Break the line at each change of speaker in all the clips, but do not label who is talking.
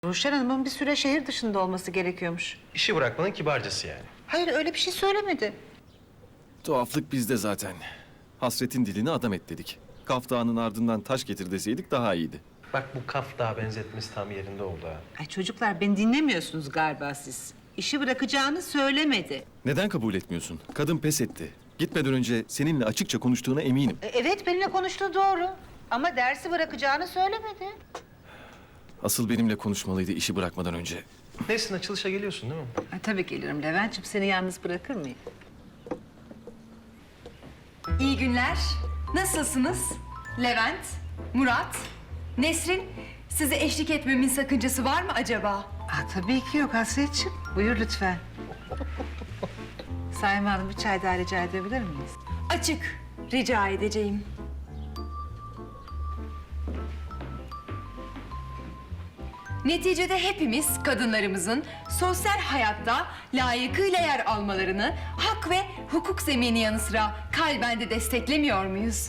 Ruşen Hanım'ın bir süre şehir dışında olması gerekiyormuş.
İşi bırakmanın kibarcası yani.
Hayır, öyle bir şey söylemedi.
Tuhaflık bizde zaten. Hasretin dilini adam et dedik. Kaf Dağı'nın ardından taş getir deseydik daha iyiydi.
Bak bu kaf daha benzetmesi tam yerinde oldu ha.
Ay çocuklar, beni dinlemiyorsunuz galiba siz. İşi bırakacağını söylemedi.
Neden kabul etmiyorsun? Kadın pes etti. Gitmeden önce seninle açıkça konuştuğuna eminim.
Evet, benimle konuştuğu doğru. Ama dersi bırakacağını söylemedi.
Asıl benimle konuşmalıydı işi bırakmadan önce.
Nesin, açılışa geliyorsun değil mi?
Ay, tabii gelirim Levent'ciğim. Seni yalnız bırakır mıyım?
İyi günler. Nasılsınız? Levent, Murat, Nesrin, size eşlik etmemin sakıncası var mı acaba?
Aa, tabii ki yok Hasretciğim. Buyur lütfen. Sayın Hanım, bir çay daha rica edebilir miyiz?
Açık, rica edeceğim. Neticede hepimiz kadınlarımızın sosyal hayatta layıkıyla yer almalarını hak ve hukuk zemini yanı sıra kalben de desteklemiyor muyuz?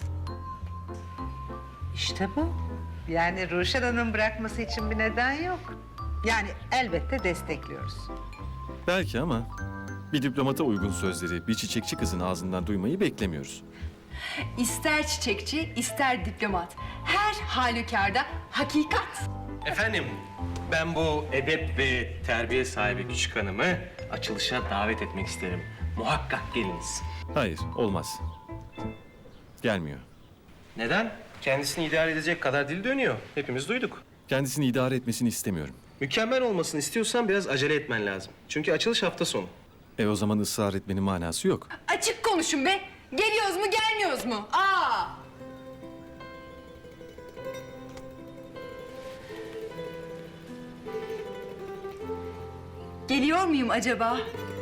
İşte bu. Yani Ruşen Hanım bırakması için bir neden yok. Yani elbette destekliyoruz.
Belki ama bir diplomata uygun sözleri bir çiçekçi kızın ağzından duymayı beklemiyoruz.
İster çiçekçi, ister diplomat. Her halükarda hakikat.
Efendim, ben bu edep ve terbiye sahibi küçük hanımı açılışa davet etmek isterim. Muhakkak geliniz.
Hayır, olmaz. Gelmiyor.
Neden? Kendisini idare edecek kadar dil dönüyor. Hepimiz duyduk.
Kendisini idare etmesini istemiyorum.
Mükemmel olmasını istiyorsan biraz acele etmen lazım. Çünkü açılış hafta sonu.
O zaman ısrar etmenin manası yok.
Açık konuşun be. Geliyoruz mu, gelmiyoruz mu? Aa! Geliyor muyum acaba?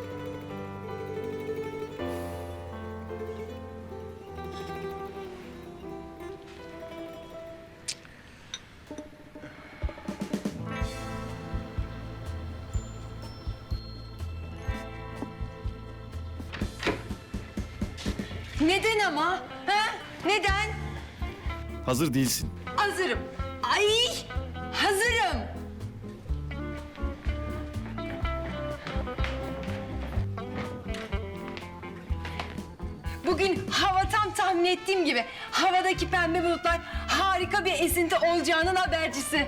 Neden ama? Ha? Neden?
Hazır değilsin.
Hazırım. Ay! Hazırım. Bugün hava tam tahmin ettiğim gibi. Havadaki pembe bulutlar harika bir esinti olacağının habercisi.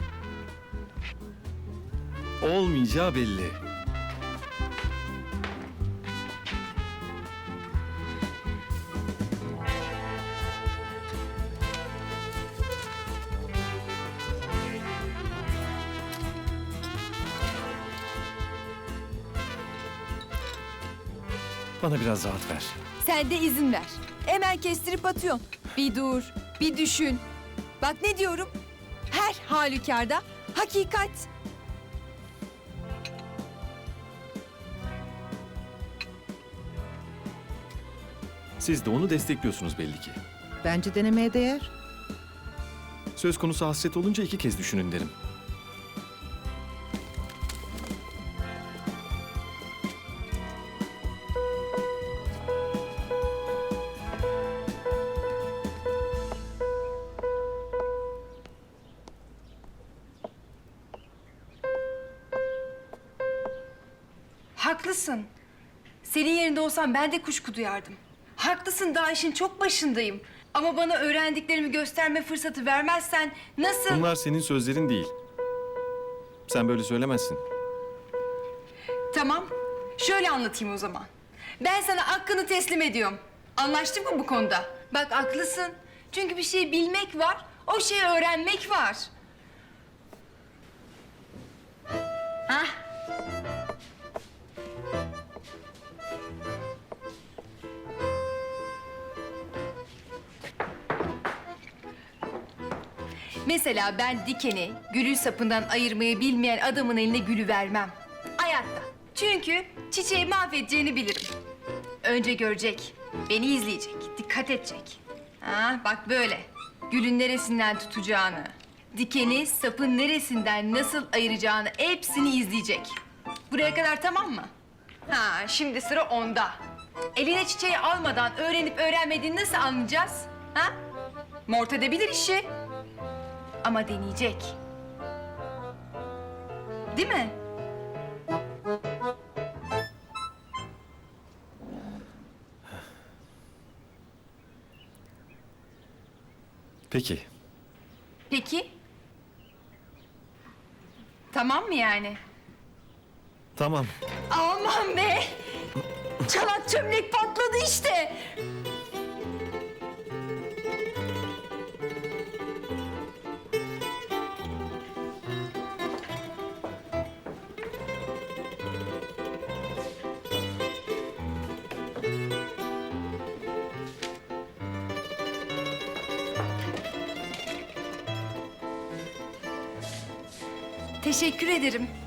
Olmayacağı belli. Bana biraz rahat ver.
Sen de izin ver. Hemen kestirip atıyorsun. Bir dur, bir düşün. Bak ne diyorum? Her halükarda hakikat.
Siz de onu destekliyorsunuz belli ki.
Bence denemeye değer.
Söz konusu hasret olunca iki kez düşünün derim.
Haklısın. Senin yerinde olsam ben de kuşku duyardım. Haklısın, daha işin çok başındayım. Ama bana öğrendiklerimi gösterme fırsatı vermezsen nasıl...
Bunlar senin sözlerin değil. Sen böyle söylemezsin.
Tamam, şöyle anlatayım o zaman. Ben sana hakkını teslim ediyorum. Anlaştık mı bu konuda? Bak haklısın. Çünkü bir şeyi bilmek var, o şeyi öğrenmek var. Hah. Mesela ben dikeni gülün sapından ayırmayı bilmeyen adamın eline gülü vermem. Hayatta. Çünkü çiçeği mahvedeceğini bilirim. Önce görecek, beni izleyecek, dikkat edecek. Ha, bak böyle. Gülün neresinden tutacağını, dikeni sapın neresinden nasıl ayıracağını hepsini izleyecek. Buraya kadar tamam mı? Ha, şimdi sıra onda. Eline çiçeği almadan öğrenip öğrenmediğini nasıl anlayacağız? Ha? Mort edebilir işi. Ama deneyecek. Değil mi?
Peki.
Peki. Tamam mı yani?
Tamam.
Aman be! Çanak çömlek patladı işte. Teşekkür ederim.